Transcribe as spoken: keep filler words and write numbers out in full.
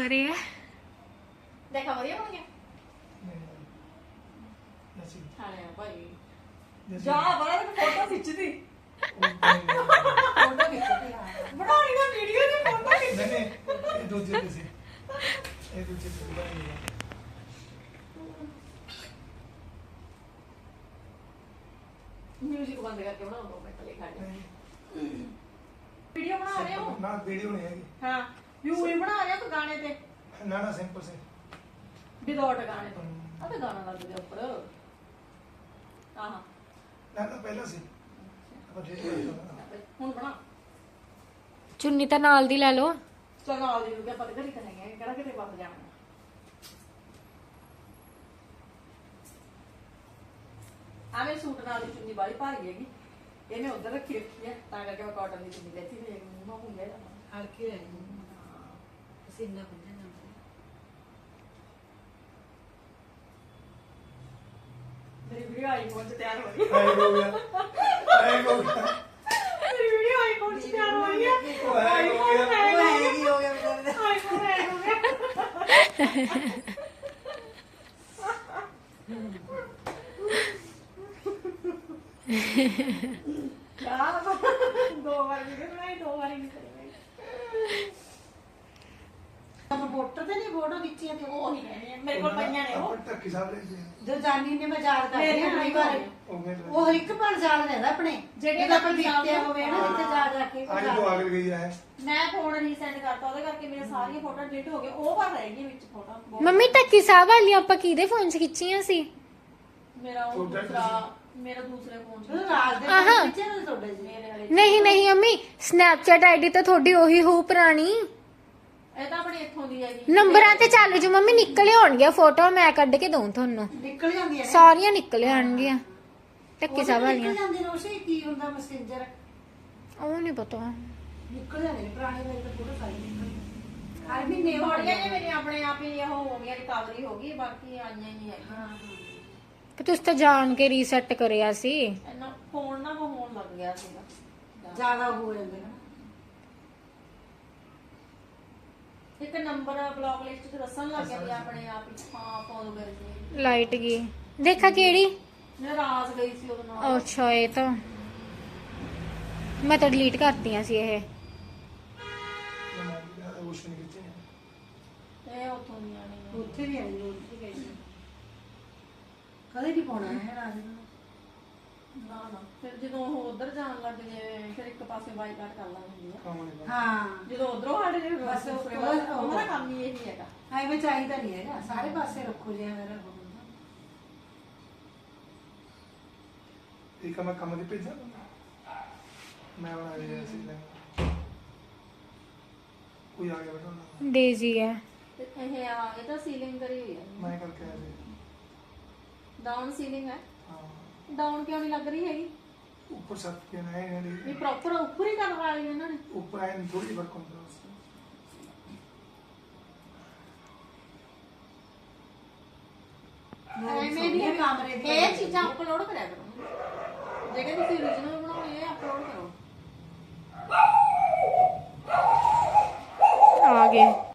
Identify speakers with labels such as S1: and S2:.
S1: रहे हैं।
S2: देखा बढ़िया बन गया
S3: जैसी
S2: खाने भाई
S3: जैसी
S2: जा बड़ा फोटो खिंच दी
S4: फोटो खिंचती हां
S2: बनानी ना वीडियो ਦੀ फोटो खिंच
S3: नहीं नहीं ये दूसरे पे से ये दूसरे पे बनाएंगे
S2: म्यूजिक बंद करके बनाओ दो मिनट ले खा वीडियो बना रहे हो
S3: ना वीडियो नहीं है
S2: हां व्यू ही बना रहे हो तो गाने ते
S3: ना ना सिंपल से
S2: विदाउट गाने तो अबे गाना लग गया ऊपर हां
S3: ना ना पहला से अब ठीक है
S2: ਹੁਣ ਬਣਾ
S1: चुन्नी तो नाल दी ले लो।
S2: ਚਲ ਨਾਲ ਦੀ ਨੂੰ ਕਿ ਪਤਾ ਕਰੀ ਕਰਾਂਗੇ ਕਿਹੜਾ ਕਿਤੇ ਵੱਧ ਜਾਣਾ ਆ ਮੇਰੇ ਸੂਟ ਨਾਲ ਦੀ ਚੁੰਨੀ ਬਾਲੀ ਭਾਰੀ ਹੈਗੀ ਇਹਨੇ ਉਧਰ ਰੱਖੀ ਰੱਖੀ ਹੈ ਤਾਂ ਕਰਕੇ ਮੈਂ ਕਾਟਨ ਦੀ ਚੁੰਨੀ ਲੈਤੀ ਤੇ ਮੂੰਹ ਹੁੰਗਾ
S4: हल्की रहेगी पसीना बन जाता
S2: ਮੇਰੀ ਵੀਡੀਓ ਆਈਫੋਨ 'ਚ ਤਿਆਰ ਹੋ ਗਈ
S3: आई हो गया आई हो गया
S2: ਮੇਰੀ ਵੀਡੀਓ ਆਈਫੋਨ 'ਚ ਤਿਆਰ ਹੋ ਗਈ
S3: आई हो गया
S4: वो हैगी हो गया बेचारे
S2: ਆਈਫੋन ਹੈ ਹੋ ਗਿਆ ਯਾਰ ਦੋ ਵਾਰ ਵੀਡੀਓ ਬਣਾਈ ਦੋ ਵਾਰੀ ਨਹੀਂ ਕਰੀ
S4: रिपोर्टर थे नहीं फोटो खिंची थी
S2: ਉਹ ਨਹੀਂ ਕਹਿੰਦੇ ਮੇਰੇ ਕੋਲ ਪਈਆਂ ਨੇ ਉਹ
S3: अपन तक हिसाब ले जी
S4: जो जानी ने मैं याद कर
S2: मेरे
S4: रही
S2: को
S4: हूं
S2: नहीं
S4: बार
S3: ओ मेरे
S4: वो हर एक पर याद रहता अपने
S2: ਜਿਹੜੇ
S4: जब
S2: ਆਪਾਂ
S4: अपन दिखते
S2: याद
S4: होवे ना जिथे जा जा के
S3: आज तो आगे गई है
S2: ਮੈਂ ਫੋਨ ਰੀਸੈਂਡ ਕਰਤਾ ਉਹਦੇ ਕਰਕੇ ਮੇਰੇ ਸਾਰੀਆਂ ਫੋਟੋ ਡਿਲੀਟ ਹੋ ਗਏ ਉਹ ਪਰ ਰਹਿ ਗਈ ਵਿੱਚ ਫੋਟੋ
S1: ਮੰਮੀ ਟੱਕੀ ਸਾਹਿਬ ਵਾਲੀ ਆਪਾਂ ਕਿਹਦੇ ਫੋਨ 'ਚ ਖਿੱਚੀਆਂ ਸੀ?
S2: ਮੇਰਾ ਉਹ
S3: ਤੁਹਾਡਾ
S2: ਦੂਸਰਾ ਮੇਰਾ ਦੂਸਰੇ ਫੋਨ
S4: तो
S2: ਚ
S4: राज दे
S1: आहा।
S4: पीछे ना छोड़े जी
S2: ਮੇਰੇ ਵਾਲੇ
S1: ਨਹੀਂ ਨਹੀਂ ਅੰਮੀ ਸਨੈਪਚੈਟ ਆਈਡੀ ਤਾਂ ਤੁਹਾਡੀ ਉਹੀ ਹੋਊ ਪੁਰਾਣੀ।
S2: ਇਹ ਤਾਂ ਆਪਣੀ ਇੱਥੋਂ ਦੀ ਹੈਗੀ
S1: ਨੰਬਰਾਂ ਤੇ ਚੱਲ ਜੂ ਮੰਮੀ, ਨਿਕਲ ਆਉਣਗੀਆਂ ਫੋਟੋ, ਮੈਂ ਕੱਢ ਕੇ ਦਊਂ ਤੁਹਾਨੂੰ।
S4: निकल जाती है ना
S1: ਸਾਰੀਆਂ ਨਿਕਲ ਆਉਣਗੀਆਂ ਟੱਕੀ ਸਾਹਿਬ
S4: निकल
S1: ਵਾਲੀਆਂ।
S4: जाती रोशे की हुंदा मैसेंजर
S1: ਉਹ ਨਹੀਂ ਪਤਾ।
S4: निकल जाते ने पुराने मेरे तो फोटो सारी निकल हर महीने हो
S2: ਥੋੜੀਆਂ
S4: गया
S2: ਜਿਹੀਆਂ ਮੇਰੀਆਂ ਆਪਣੇ ਆਪ ਹੀ ਉਹ ਹੋ ਗਈਆਂ ਰਿਕਵਰੀ ਹੋ ਗਈ ਬਾਕੀ ਆਈਆਂ ਹੀ ਨਹੀਂ ਹੈਗੀਆਂ
S1: ਪਰ ਤੁਸੀਂ ਤਾਂ ਜਾਣ ਕੇ ਰੀਸੈਟ ਕਰਿਆ ਸੀ।
S2: ਇਹਨਾਂ ਫੋਨ ਨਾ ਉਹ ਹੋਣ ਲੱਗ ਗਿਆ ਸੀਗਾ
S4: ज्यादा हो जाते ना
S2: ਇੱਕ ਨੰਬਰ ਬਲੌਕ ਲਿਸਟ ਤੇ ਦੱਸਣ ਲੱਗ ਗਿਆ ਵੀ ਆਪਣੇ ਆਪ ਹੀ ਹਾਂ ਫੋਲੋ ਕਰ ਜੀ
S1: ਲਾਈਟ ਗਈ ਦੇਖਾ ਕਿਹੜੀ?
S2: ਮੈਂ ਰਾਸ ਗਈ ਸੀ ਉਹਦੇ ਨਾਲ
S1: ਅੱਛਾ ਇਹ ਤਾਂ ਮੈਂ ਤਾਂ ਡਿਲੀਟ ਕਰਤੀਆਂ ਸੀ ਇਹ।
S3: उस नहीं खींचे
S2: ਇਹ ਉੱਥੋਂ ਦੀਆਂ ਨਹੀਂ
S4: ਉੱਥੇ ਵੀ ਆਈ ਉੱਥੇ ਗਈ ਕਦੇ ਨਹੀਂ ਪਾਉਣਾ ਹੈ ਰਾਜ ਨੂੰ
S2: ਨਾ ਨਾ ਫਿਰ ਜਦੋਂ ਉਹ ਉਧਰ ਜਾਣ ਲੱਗ ਜੇ ਫਿਰ ਇੱਕ ਪਾਸੇ ਬਾਈਕਾਟ ਕਰ ਲਾਂਗੇ
S3: काम नहीं
S4: ਹਾਂ
S2: ਜਦੋਂ ਉਧਰੋਂ ਹਟ ਜੇ ਬਸ
S4: ਬਸ
S2: ਉਸਰੇ
S4: ਉਹ-
S2: ਬਾਅਦ ਉਹਦਾ ਕੰਮ ਹੀ ਇਹੀ ਹੈਗਾ
S4: ਐਵੇਂ ਚਾਹੀਦਾ ਨਹੀਂ ਹੈਗਾ ਸਾਰੇ ਪਾਸੇ ਰੱਖੋ ਜਿਆ ਮੇਰਾ
S3: एक मैं कम पे जा मैं बना दिया ऐसे ले कोई आ गया बेटा
S1: ਡੇਜ਼ੀ ਹੈ।
S2: ਤੇ ਇਹ ਆ ਇਹ ਤਾਂ ਸੀਲਿੰਗ ਕਰੀ ਹੋਈ ਹੈ
S3: मैं करके आया थे
S2: ਡਾਊਨ ਸੀਲਿੰਗ ਹੈ
S3: हाँ
S2: ਡਾਊਨ ਕਿਉਂ ਨਹੀਂ ਲੱਗ ਰਹੀ ਹੈਗੀ
S3: ऊपर छत पे ना है
S2: ਵੀ ਪ੍ਰੋਪਰ ਉੱਪਰ ਹੀ ਕਰਨ ਵਾਲੀ ਹੈ ਇਹਨਾਂ ਨੇ
S3: ऊपर आए थोड़ी वर्क होता है उससे
S4: ਐਵੇਂ ਨਹੀਂ ਹੈ ਕਮਰੇ ਦੇ
S2: ਇਹ ਚੀਜ਼ਾਂ ਅਪਲੋਡ ਕਰਿਆ ਕਰੋ ਜਿਹੜੇ ਤੁਸੀਂ origignal ਬਣਾਉਣੇ ਆ ਅਪਲੋਡ ਕਰੋ
S1: ਆ ਗਏ।